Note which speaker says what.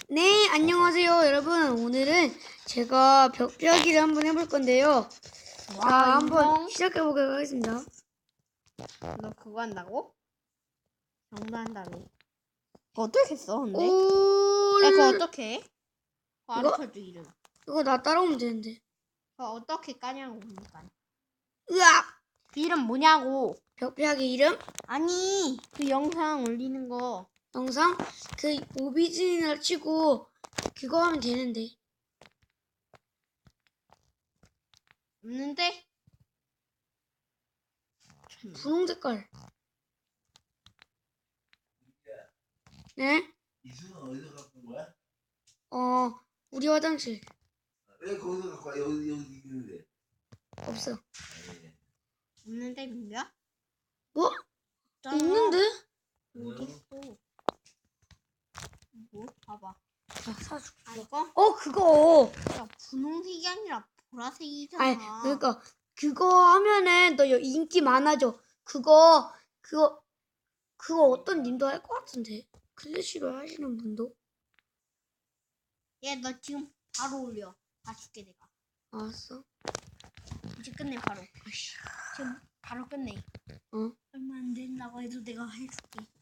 Speaker 1: 네, 안녕하세요, 여러분. 오늘은 제가 벽벽이를 한번 해볼 건데요. 자, 한번 시작해보도록 하겠습니다.
Speaker 2: 너 그거 한다고? 장난한다며. 그거 어떻게 써, 근데? 야, 그거 어떻게 해? 그거
Speaker 1: 이거?
Speaker 2: 알려줘, 이름.
Speaker 1: 이거 나 따라오면 되는데.
Speaker 2: 그거 어떻게 까냐고, 그러니까.
Speaker 1: 으악!
Speaker 2: 그 이름 뭐냐고.
Speaker 1: 벽벽이 이름?
Speaker 2: 아니, 그 영상 올리는 거.
Speaker 1: 영상? 그 오비진이라 치고 그거 하면 되는데.
Speaker 2: 없는데?
Speaker 1: 분홍 색깔. 네?
Speaker 3: 이수는 어디서 갖고 온 거야?
Speaker 1: 우리 화장실.
Speaker 3: 왜 거기서 갖고 와? 여기 있는데.
Speaker 1: 없어.
Speaker 3: 아니,
Speaker 2: 없는데, 민규야?
Speaker 1: 뭐?
Speaker 2: 있잖아.
Speaker 1: 있는데?
Speaker 2: 어딨어? 뭐? 봐봐.
Speaker 1: 자, 사줄게.
Speaker 2: 아, 이거?
Speaker 1: 그거.
Speaker 2: 야, 분홍색이 아니라 보라색이잖아.
Speaker 1: 아니, 그러니까 그거 하면은 너 인기 많아져. 그거 어떤 님도 할 것 같은데. 클래시로 하시는 분도.
Speaker 2: 얘, 너 지금 바로 올려. 봐줄게, 내가.
Speaker 1: 알았어.
Speaker 2: 이제 끝내, 바로. 지금 바로 끝내.
Speaker 1: 어?
Speaker 2: 얼마 안 된다고 해도 내가 해줄게.